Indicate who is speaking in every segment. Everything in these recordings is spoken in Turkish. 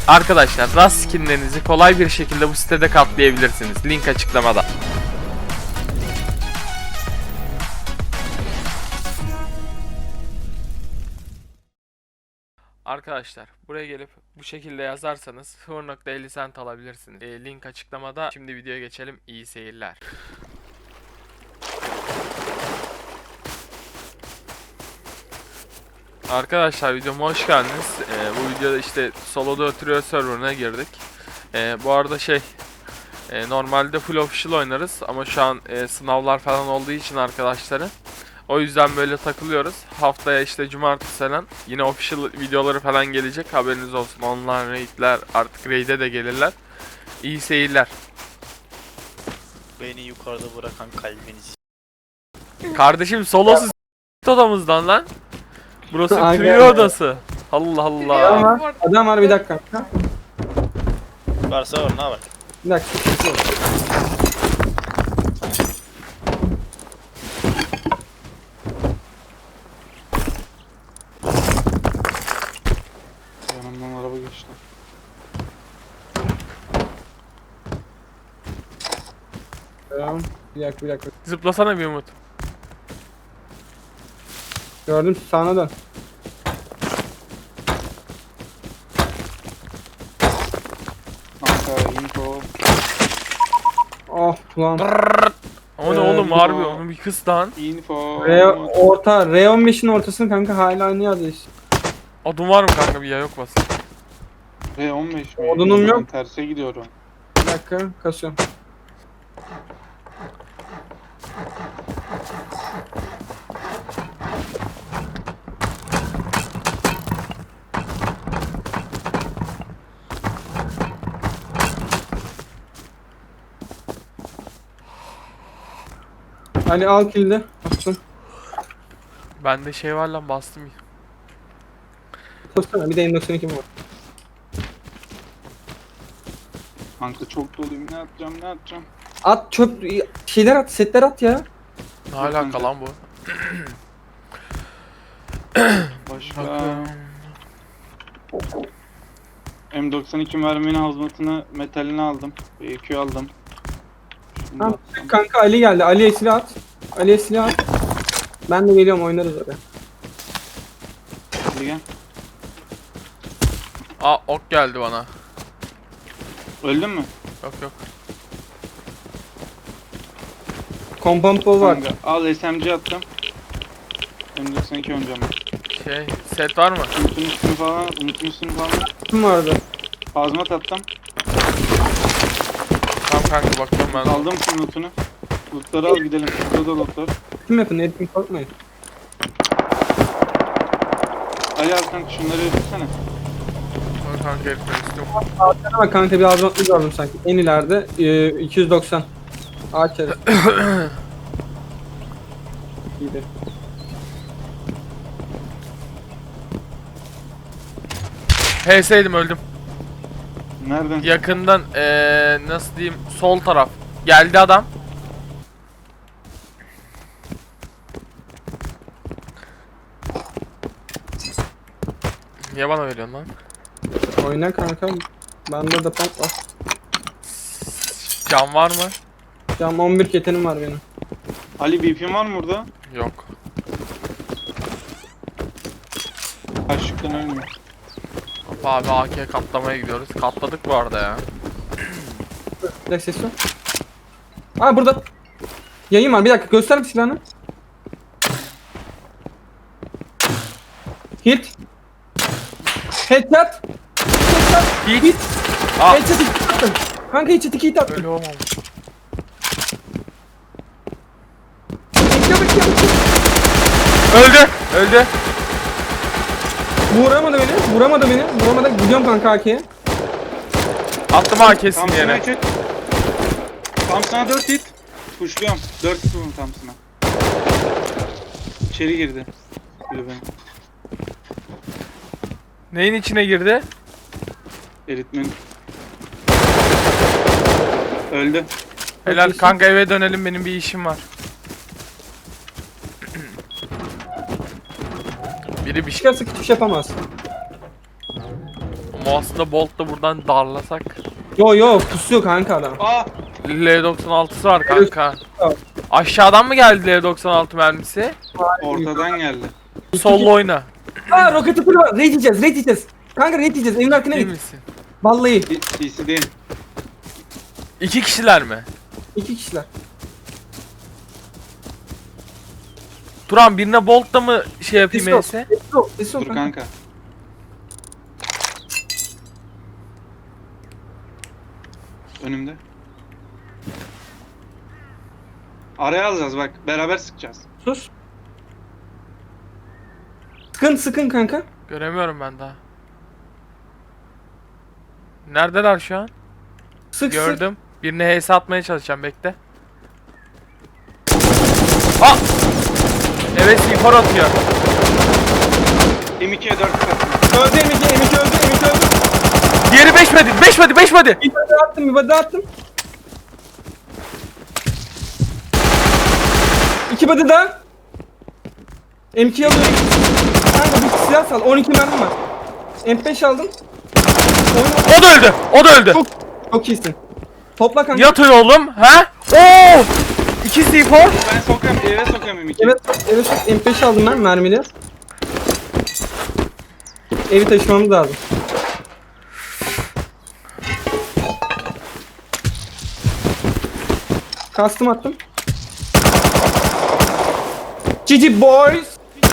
Speaker 1: Arkadaşlar Rust skinlerinizi kolay bir şekilde bu sitede katlayabilirsiniz. Link açıklamada. Arkadaşlar buraya gelip bu şekilde yazarsanız 0.50 cent alabilirsiniz. Link açıklamada. Şimdi videoya geçelim. İyi seyirler. Arkadaşlar videoma hoş geldiniz. Bu videoda işte soloda oturuyor serverına girdik. Bu arada normalde full official oynarız ama şu an sınavlar falan olduğu için arkadaşlarım. O yüzden böyle takılıyoruz. Haftaya işte cumartesi falan yine official videoları falan gelecek. Haberiniz olsun. Online raidler artık raid'e de gelirler. İyi seyirler.
Speaker 2: Beni yukarıda bırakan kalbiniz.
Speaker 1: Kardeşim solosu odamızdan lan. Burası
Speaker 3: Aynen.
Speaker 1: trio odası. Allah Allah.
Speaker 3: Adam var bir dakika.
Speaker 2: Varsa var, ne var?
Speaker 3: Bir dakika.
Speaker 4: Yanımdan araba geçti.
Speaker 3: Tamam. Bir dakika.
Speaker 1: Zıplasana bir Umut.
Speaker 3: Gördüm, sağına dön.
Speaker 4: Kanka info.
Speaker 3: Oh ulan.
Speaker 1: O ne oğlum harbi onu bir kız lan.
Speaker 4: Info.
Speaker 3: R15'in ortasını kanka hala aynı yerde işte.
Speaker 1: Odun var mı kanka bir ya yok basın.
Speaker 4: R15 mi?
Speaker 3: Odunum yok.
Speaker 4: Ben terse gidiyorum.
Speaker 3: Bir dakika kasıyorum. Ali al kilidi. Bastım.
Speaker 1: Bende şey var lan bastım.
Speaker 3: Tutsana bir de M92 var.
Speaker 4: Kanka çok doluyum. Ne atacağım?
Speaker 3: At çöp şeyler at, setler at ya.
Speaker 1: Ne alaka lan bu?
Speaker 4: Başka.
Speaker 1: Bakıyorum.
Speaker 4: M92 merminin hazmatını, metalini aldım. EQ aldım. Şunu da
Speaker 3: Tamam.
Speaker 4: atsam.
Speaker 3: Kanka Ali geldi. Ali'ye silah at. Ali'ye silah at. Ben de geliyorum, oynarız oraya.
Speaker 4: Hadi gel.
Speaker 1: Aa ok geldi bana.
Speaker 4: Öldün mü?
Speaker 1: Yok.
Speaker 3: Kompampol var.
Speaker 4: Kanka al SMG attım. M92 oynayacağım ben.
Speaker 1: Set var mı?
Speaker 4: Umut'un üstünü falan,
Speaker 3: Kim vardı?
Speaker 4: Hazmat attım.
Speaker 1: Tamam kanka bakıyorum ben.
Speaker 4: Aldım senin lootunu. Lootları al gidelim. Burada da loot var.
Speaker 3: Kim yapın? Edin korkmayın.
Speaker 4: Ali al kanka şunları yürütsene.
Speaker 1: Dur kanka herifler üstüm.
Speaker 3: Arkana bak kanka, bir azmatlı gördüm sanki. En ileride 290. Ağaç arası. İyiydi.
Speaker 1: HS'ydim öldüm.
Speaker 4: Nereden?
Speaker 1: Yakından nasıl diyeyim sol taraf. Geldi adam. Niye bana veriyorsun lan?
Speaker 3: Oyna kanka. Bende de pump var.
Speaker 1: Can var mı?
Speaker 3: Cam 11 ketenim var benim.
Speaker 4: Ali BP'm var mı burada?
Speaker 1: Yok.
Speaker 4: Kaçlıktan ölmüyor.
Speaker 1: Abi AK katlamaya gidiyoruz. Katladık bu arada ya.
Speaker 3: Bir dakika, ses yok. Aa burada. Yayın var, bir dakika göster bir silahını. Hit. Headshot.
Speaker 1: Hit. Aa.
Speaker 3: Headshot 2 attım. Kanka headshot 2 hit attım.
Speaker 1: Öyle olmamış.
Speaker 3: Bekle.
Speaker 1: Öldü.
Speaker 3: Vuramadı beni. Vuramadı. Gidiyorum kanka AK'ye.
Speaker 1: Attım AK'sini
Speaker 4: Thompson'a
Speaker 1: yere.
Speaker 4: 3 hit. Thompson'a 4 hit. Pushluyorum. 4 hit vurdum Thompson'a. İçeri girdi. Kulübeye.
Speaker 1: Neyin içine girdi?
Speaker 4: Eritmen. Öldü.
Speaker 1: Helal kanka eve dönelim benim bir işim var. Biri bir şey.
Speaker 3: Çıkarsa hiçbir şey yapamaz.
Speaker 1: Aslında Bolt da buradan darlasak.
Speaker 3: Yo pusuyor kanka adam.
Speaker 4: Aa!
Speaker 1: L96'sı var kanka.
Speaker 3: Evet.
Speaker 1: Aşağıdan mı geldi L96 mermisi?
Speaker 4: Ortadan geldi.
Speaker 1: Sollu oyna.
Speaker 3: Aa roketi fırla. Raid yiyeceğiz. Kanka raid yiyeceğiz. Evin arkına
Speaker 1: Değil
Speaker 3: git.
Speaker 1: misin?
Speaker 3: Vallahi.
Speaker 4: CC değil.
Speaker 1: 2 kişiler mi?
Speaker 3: 2 kişiler.
Speaker 1: Turan birine Bolt'la mı şey yapayım
Speaker 3: Sesi yok.
Speaker 1: E'si?
Speaker 3: Sesi yok
Speaker 4: Dur
Speaker 3: kanka.
Speaker 4: kanka. Önümde. Araya alacağız bak. Beraber sıkacağız.
Speaker 3: Sus. Sıkın kanka.
Speaker 1: Göremiyorum ben daha. Neredeler şu an?
Speaker 3: Sık.
Speaker 1: Gördüm. Birine HS atmaya çalışacağım, bekle. Ah! Evet, info atıyor.
Speaker 4: M2'ye 4 katın.
Speaker 3: Öldü M2 öldü.
Speaker 1: Diğeri 5 body.
Speaker 3: Bir body attım. 2 body daha. M2 alıyorum. Kanka bir silah sal. 12 mermim var. M5 aldım.
Speaker 1: O da öldü.
Speaker 3: Çok iyisin. Topla kanka.
Speaker 1: Yatın oğlum, ha? Oo! 2 C4.
Speaker 4: Ben sokayım, eve sokayım M2'yi.
Speaker 3: Evet M5 aldım ben mermili. Evi taşımamız lazım. Kastım attım. GG boys.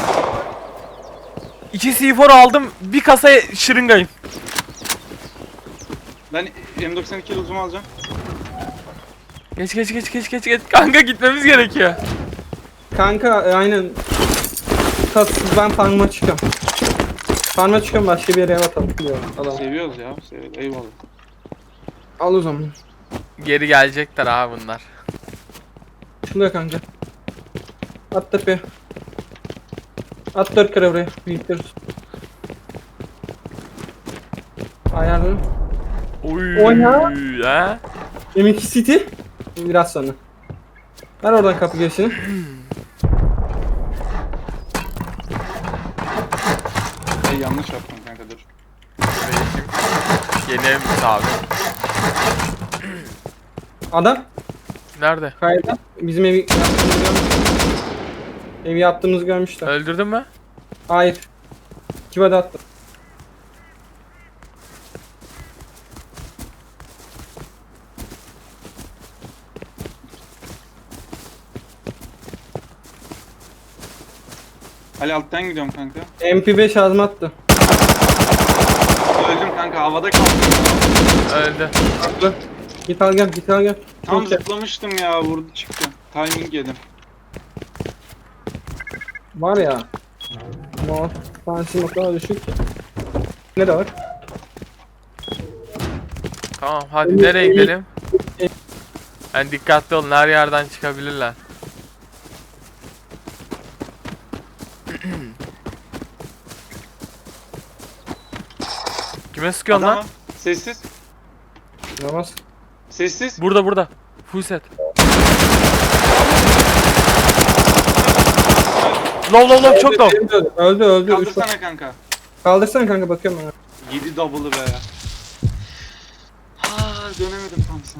Speaker 1: 2 C4 aldım. Bir kasa şırıngayım.
Speaker 4: Ben M92 uzumu alacağım.
Speaker 1: Geç. Kanka gitmemiz gerekiyor.
Speaker 3: Kanka aynen. Kastsız ben farm'a çıkıyorum. Farm'a çıkıyorum, başka bir yere ev atalım diyor adam.
Speaker 4: Seviyoruz ya. Seviyoruz. Eyvallah.
Speaker 3: Al o zaman.
Speaker 1: Geri gelecekler abi bunlar.
Speaker 3: Şuraya kanka. At tepeye. At 4 kere buraya. Büyütürüz. Ayarladım.
Speaker 1: Oy.
Speaker 3: Oyna.
Speaker 1: Ha?
Speaker 3: M2 City. Biraz sonra. Ver oradan kapı girişini.
Speaker 4: Yanlış yaptım kanka dur.
Speaker 1: Yeni evimiz abi.
Speaker 3: Adam.
Speaker 1: Nerede?
Speaker 3: Kayda. Bizim evi yaptığımızı görmüş. Evi yaptığımızı görmüşler.
Speaker 1: Öldürdün mü?
Speaker 3: Hayır. Kime de attım.
Speaker 4: Ali alttan gidiyorum kanka.
Speaker 3: MP5 ağzıma attı.
Speaker 4: Öldüm kanka, havada kaldım.
Speaker 1: Öldü.
Speaker 3: Attı. Git al gel.
Speaker 4: Tam
Speaker 3: Çok iyi.
Speaker 4: zıplamıştım ya, vurdu çıktı. Timing yedim.
Speaker 3: Var ya. No. Tanesi o kadar düşük ki. Ne de var?
Speaker 1: Tamam hadi nereye gidelim? Yani dikkatli olun, her yerden çıkabilirler. Kime sıkıyorsun
Speaker 4: Adam
Speaker 1: lan?
Speaker 4: var. Sessiz.
Speaker 3: Namaz.
Speaker 4: Sessiz.
Speaker 1: Burada. Full set. Low çok low.
Speaker 3: Öldü. Üç var.
Speaker 4: Kaldırsana kanka.
Speaker 3: Kaldırsana kanka, bakıyorum ben.
Speaker 4: 7 double'ı be. Ha, dönemedim tam sana.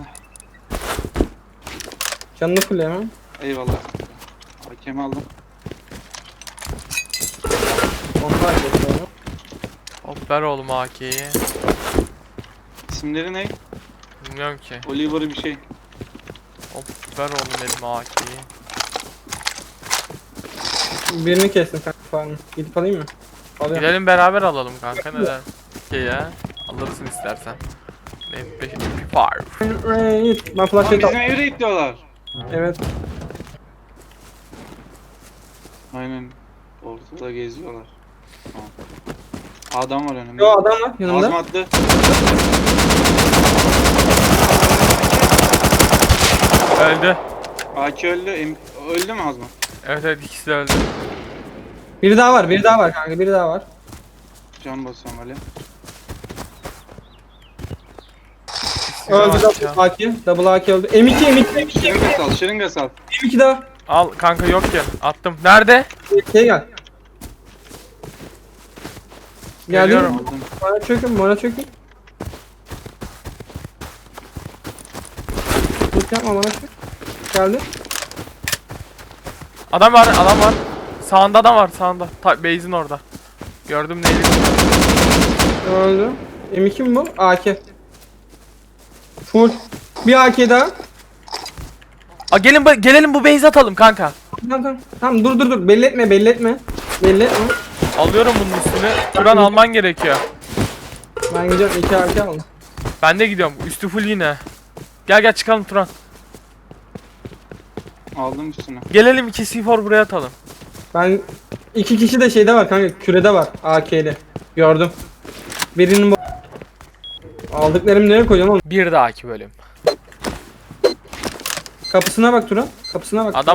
Speaker 3: Canını fulleyemem.
Speaker 4: Eyvallah. Hakemi aldım.
Speaker 3: Onlar geçiyor.
Speaker 1: Hop ver oğlum AK'yi.
Speaker 4: İsimleri ne?
Speaker 1: Bilmiyorum ki.
Speaker 4: Oliver'ı bir şey.
Speaker 1: Hop ver oğlum benim AK'yi.
Speaker 3: Birini kestim kanka farmı. Gidip alayım mı? Alıyorum.
Speaker 1: Gidelim beraber alalım kanka, neden? Ki ya. Alırsın istersen. MP5, MP5.
Speaker 3: Ben
Speaker 4: Lan
Speaker 3: flashlight
Speaker 4: bizim
Speaker 3: al.
Speaker 4: evde itliyorlar.
Speaker 3: Evet.
Speaker 4: Aynen. Ortada geziyorlar. Tamam. Adam var önümde.
Speaker 3: Yo adam var yanımda.
Speaker 4: Ağzıma attı.
Speaker 1: Öldü.
Speaker 4: AK öldü. Öldü mü Azma?
Speaker 1: Evet ikisi de öldü.
Speaker 3: Biri daha var kanka, biri daha var.
Speaker 4: Can basıyorum Ali.
Speaker 3: Öldü double AK. Double AK öldü. M2.
Speaker 4: Şırınga sal, şırınga sal.
Speaker 3: M2 daha.
Speaker 1: Al kanka, yok ki. Attım. Nerede?
Speaker 3: Gel. Geldin
Speaker 1: Geliyorum.
Speaker 3: mi?
Speaker 4: Aldım.
Speaker 3: Bana çökün. Tut yapma bana çök. Geldi.
Speaker 1: Adam var. Sağında adam var sağında. Base'in orada. Gördüm neydi?
Speaker 3: Öldü. M2 mi bu? AK. Full. Bir AK daha.
Speaker 1: Gelelim bu base'e atalım kanka.
Speaker 3: Tamam dur. Belli etme.
Speaker 1: Alıyorum bunun üstüne. Turan alman gerekiyor.
Speaker 3: Ben gideceğim 2 AK aldım.
Speaker 1: Ben de gidiyorum. Üstü full yine. Gel çıkalım Turan.
Speaker 4: Aldım üstüne.
Speaker 1: Gelelim 2 C4 buraya atalım.
Speaker 3: Ben 2 kişi de şeyde var kanka, kürede var AK'de. Gördüm. Birinin aldıklarımı nereye koyacağım oğlum?
Speaker 1: Bir dahaki bölüm.
Speaker 3: Kapısına bak Turan. Kapısına bak.
Speaker 1: Adam